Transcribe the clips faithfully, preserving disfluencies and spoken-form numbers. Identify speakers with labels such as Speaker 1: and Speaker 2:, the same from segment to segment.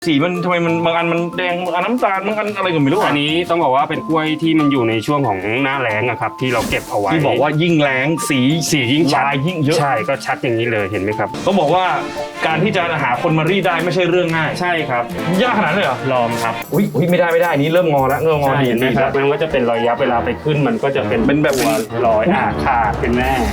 Speaker 1: สีมันทำไมมันบางอันมันแดงบางอันน้ำตาลบางอันอะไรก็ไม่รู้
Speaker 2: อันนี้ต้องบอกว่าเป็นกล้วยที่มันอยู่ในช่วงของหน้าแล้งอะครับที่เราเก็บเอาไว้
Speaker 1: ที่บอกว่ายิ่งแรงสี
Speaker 2: สียิ่งชัด
Speaker 1: ลายยิ่งเยอะ
Speaker 2: ใช่ก็ชัดอย่างนี้เลยเห็นไหมครับ
Speaker 1: ต้องบอกว่าการที่จะหาคนมารีดได้ไม่ใช่เรื่องง่าย
Speaker 2: ใช่ครับ
Speaker 1: ยากขนาดนั้นเลยเหรอ
Speaker 2: ลองครับ
Speaker 1: อุ้ยอุ้ยไม่ได้ไม่ได้อันนี้เริ่มงอแล้วเริ่มงอดี
Speaker 2: เห็นไหมครับมันก็จะเป็นรอยยับเวลาไปขึ้นมันก็จะเป็น
Speaker 1: เป็นแบบ
Speaker 2: รอยอ่าขาดเป็นแน่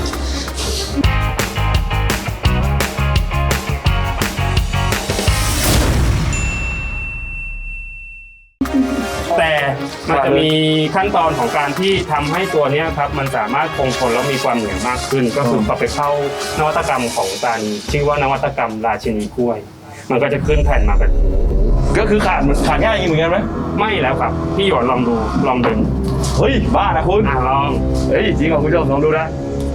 Speaker 2: แต่มันจะมีขั้นตอนของการที่ทำให้ตัวนี้ครับมันสามารถคงทนแล้วมีความเหนียวมากขึ้นก็คือพอไปเข้านวัตกรรมของการชื่อว่านวัตกรรมราชินีกล้วยมันก็จะขึ้นแผ่นมาแบบนี้
Speaker 1: ก็คือขาดขาดง่ายอย่างนี้เหมือนกันไหม
Speaker 2: ไม่แล้วครับพี่หยวนลองดูลองดึง
Speaker 1: เฮ้ยบ้านะคุณ
Speaker 2: อ่ะลอง
Speaker 1: เฮ้ยจริงเหรอคุณผู้ชมลองดูนะ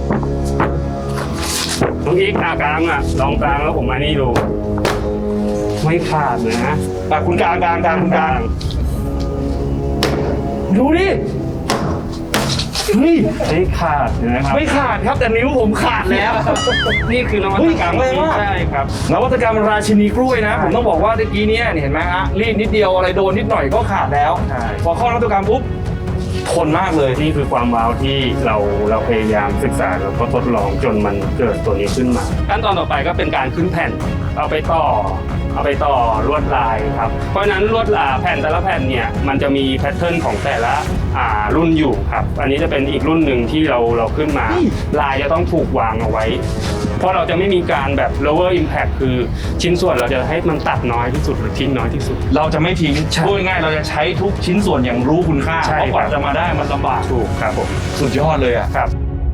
Speaker 2: น้องอีกอากลางอ่ะลองกลางแล้วผมมานี่ดูไม่ขาดเลยนะ
Speaker 1: อ่ะคุณกลางกลางกลางคุณกลางดูดิเฮ้ย
Speaker 2: ไม่ขาดนะครับ
Speaker 1: ไม่ขาดครับแต่นิ้วผมขาดแล้ว
Speaker 2: นี่คือนวัตกรรม
Speaker 1: ใช่
Speaker 2: ครับ
Speaker 1: นวัตกรรมราชินีกล้วยนะผมต้องบอกว่าเมื่อกี้นี้เห็นไหมฮะรีดนิดเดียวอะไรโดนนิดหน่อยก็ขาดแล้วพอเข้านวัตกรรมปุ๊บทนมากเลย
Speaker 2: นี่คือความว้าวที่เราเราพยายามศึกษาแล้วก็ทดลองจนมันเกิดตัวนี้ขึ้นมาขั้นตอนต่อไปก็เป็นการขึ้นแผ่นเอาไปต่อเอาไปต่อลวดลายครับเพราะฉะนั้นลวดลายแผ่นแต่ละแผ่นเนี่ยมันจะมีแพทเทิร์นของแต่ละอ่ารุ่นอยู่ครับอันนี้จะเป็นอีกรุ่นหนึ่งที่เราเราขึ้นมาลายจะต้องถูกวางเอาไว้เพราะเราจะไม่มีการแบบ lower impact คือชิ้นส่วนเราจะให้มันตัดน้อยที่สุดหรือทิ้งน้อยที่สุด
Speaker 1: เราจะไม่ทิ้งพูดง่ายๆเราจะใช้ทุกชิ้นส่วนอย่างรู้คุณค่าเพราะกว่าจะมาได้มันลำบาก
Speaker 2: ถูกครับผม
Speaker 1: สุดยอดเลยอ่ะ
Speaker 2: ครับ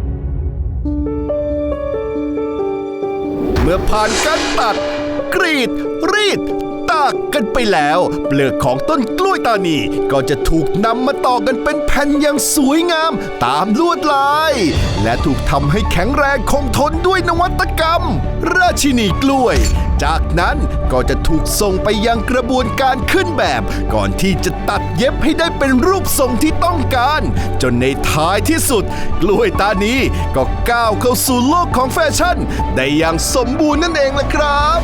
Speaker 3: เมื่อผ่านการตัดกรีดรีดตากกันไปแล้วเปลือกของต้นกล้วยตานีก็จะถูกนำมาต่อกันเป็นแผ่นอย่างสวยงามตามลวดลายและถูกทำให้แข็งแรงคงทนด้วยนวัตกรรมราชินีกล้วยจากนั้นก็จะถูกส่งไปยังกระบวนการขึ้นแบบก่อนที่จะตัดเย็บให้ได้เป็นรูปทรงที่ต้องการจนในท้ายที่สุดกล้วยตานีก็ก้าวเข้าสู่โลกของแฟชั่นได้อย่างสมบูรณ์นั่นเองล่ะครับ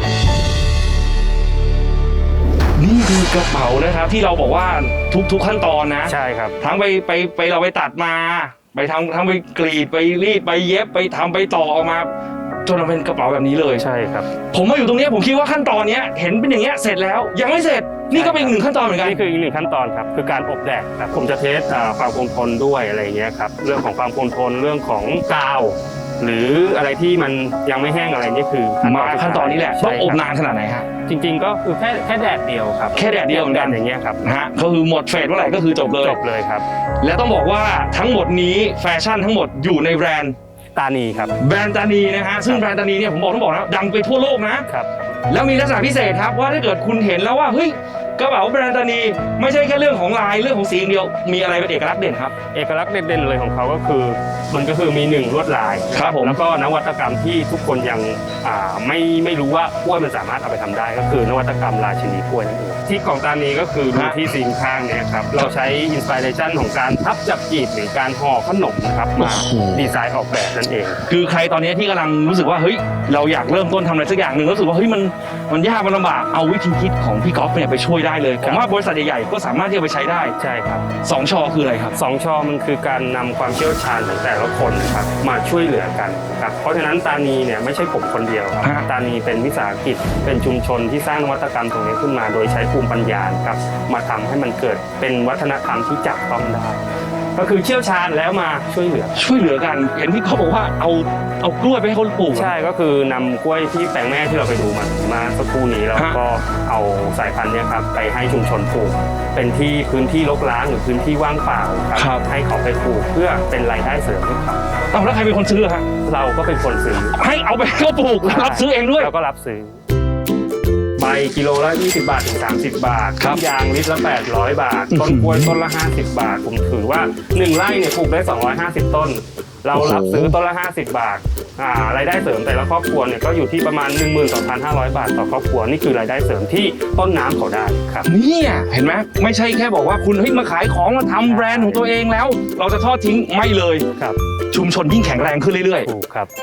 Speaker 1: นี่คือกระเป๋านะครับที่เราบอกว่าทุกๆขั้นตอนนะ
Speaker 2: ใช่ครับ
Speaker 1: ทั้งไปไปไปเราไปตัดมาไปทำทั้งไปกรีดไปรีดไปเย็บไปทำไปต่อออกมาจนมันเป็นกระเป๋าแบบนี้เลย
Speaker 2: ใช่ครับ
Speaker 1: ผมมาอยู่ตรงนี้ผมคิดว่าขั้นตอนนี้เห็นเป็นอย่างเงี้ยเสร็จแล้วยังไม่เสร็จนี่ก็เป็นอีกหนึ่งขั้นตอนเหมือนกัน
Speaker 2: นี่คืออีกหนึ่งขั้นตอนครับคือการอบแดดครับผมจะเทสความคงทนด้วยอะไรเงี้ยครับเรื่องของความคงทนเรื่องของกาวหรืออะไรที่มันยังไม่แห้งอะไรนี่คือ
Speaker 1: มาขั้นตอนนี้แหละต้องอบนานขนาดไหนฮะ
Speaker 2: จริงๆก็คือแค่แค่แดดเดียวครับ
Speaker 1: แค่แดดเดียวเหมือนกัน
Speaker 2: อย่างเงี้ยครับ
Speaker 1: นะฮะก็คือหมดเฟสเมื่อไหร่ก็คือจบเลย
Speaker 2: จบเลยครับ
Speaker 1: และต้องบอกว่าทั้งหมดนี้แฟชั่นทั้งหมดอยู่ในแบรนด์
Speaker 2: ตานีครับ
Speaker 1: แบรนด์ตานีนะฮะซึ่งแบรนด์ตานีเนี่ยผมบอกต้องบอกนะดังไปทั่วโลกนะครับแล้วมีลักษณะพิเศษครับว่าถ้าเกิดคุณเห็นแล้วว่าเฮ้ยกระเป๋าแบรนด์ตานีไม่ใช่แค่เรื่องของลายเรื่องของสีอย่างเดียวมีอะไรเป็นเอกลักษณ์เด่นครับ
Speaker 2: เอกลักษณ์เด่นๆเลยของเขาก็คือมันก็คือมีหนึ่งลวดลาย
Speaker 1: ครับผม
Speaker 2: แล้วก็นวัตกรรมที่ทุกคนยังอ่าไม่ไม่รู้ว่ากล้วยมันสามารถเอาไปทำได้ก็คือนวัตกรรมราชินีกล้วยนั่นเองที่ของตานีก็คือดูที่ซีนข้างเนี่ยครับเราใช้อินสปิเรชันของการพับจับจีบหรือการห่อขนมนะครับมาดีไซน์ออกแบบนั่นเอง
Speaker 1: คือใครตอนนี้ที่กำลังรู้สึกว่าเฮ้ยเราอยากเริ่มต้นทำอะไรสักอย่างหนึ่งรู้สึกว่าเฮ้ยมันมันยากมันลำบากเอาวิธีคิดของพี่ก๊อฟเนี่ยไปช่วยได้เลยผมว่าบริษัทใหญ่ๆก็สามารถที่จะไปใช้ได้
Speaker 2: ใช่ครับ
Speaker 1: สองชอคืออะไรครับ
Speaker 2: สองชอมันคือการนำความเชี่ยวชาญของแต่ละคนนะครับมาช่วยเหลือกันครับเพราะฉะนั้นตานีเนี่ยไม่ใช่ผมคนเดียวครับตานีเป็นวิสาหกิจเป็นชุมชนที่สร้างนวัตกรรมตรงนี้ขึ้นมาโดยใช้ภูมิปัญญาครับมาทำให้มันเกิดเป็นวัฒนธรรมที่จับต้องได้ก็คือเชี่ยวชาญแล้วมาช่วยเหลือ
Speaker 1: ช่วยเหลือกันเห็นพี่เขาบอกว่าเอาเอากล้วยไปให้เขาปลูก
Speaker 2: ใช่ก็คือนำกล้วยที่แปลงแม่ที่เราไปดูมามาสักครู่นี้แล้วก็เอาสายพันธุ์เนี่ยครับไปให้ชุมชนปลูกเป็นที่พื้นที่รกร้างหรือพื้นที่ว่างเปล่าครับให้เขาไปปลูกเพื่อเป็นรายได้เสริมให้เขา
Speaker 1: เอาแล้วใครเป็นคนซื้อฮะ
Speaker 2: เราก็เป็นคนซื้อ
Speaker 1: ให้เอาไปให้เขาปลูกแล้วรับซื้อเองด้วย
Speaker 2: เราก็รับซื้อใบกิโลละยี่สิบบาทถึงสามสิบบาทต้นยางลิตรละแปดร้อยบาทต้นกล้วยต้นละห้าสิบบาทผมถือว่าหนึ่งไร่เนี่ยปลูกได้สองร้อยห้าสิบต้นเรารับซื้อต้นละห้าสิบบาทอ่ารายได้เสริมแต่ละครอบครัวเนี่ยก็อยู่ที่ประมาณ หนึ่งหมื่นสองพันห้าร้อย บาทต่อครอบครัวนี่คือรายได้เสริมที่ต้นน้ำเขาได้ครับ
Speaker 1: เนี่ยเห็นไหมไม่ใช่แค่บอกว่าคุณเฮ้ยมาขายของมาทำแบรนด์ของตัวเองแล้วเราจะทอดทิ้งไม่เลย
Speaker 2: ครับ
Speaker 1: ชุมชนยิ่งแข็งแรงขึ้นเรื่อย
Speaker 2: ๆถูกครับ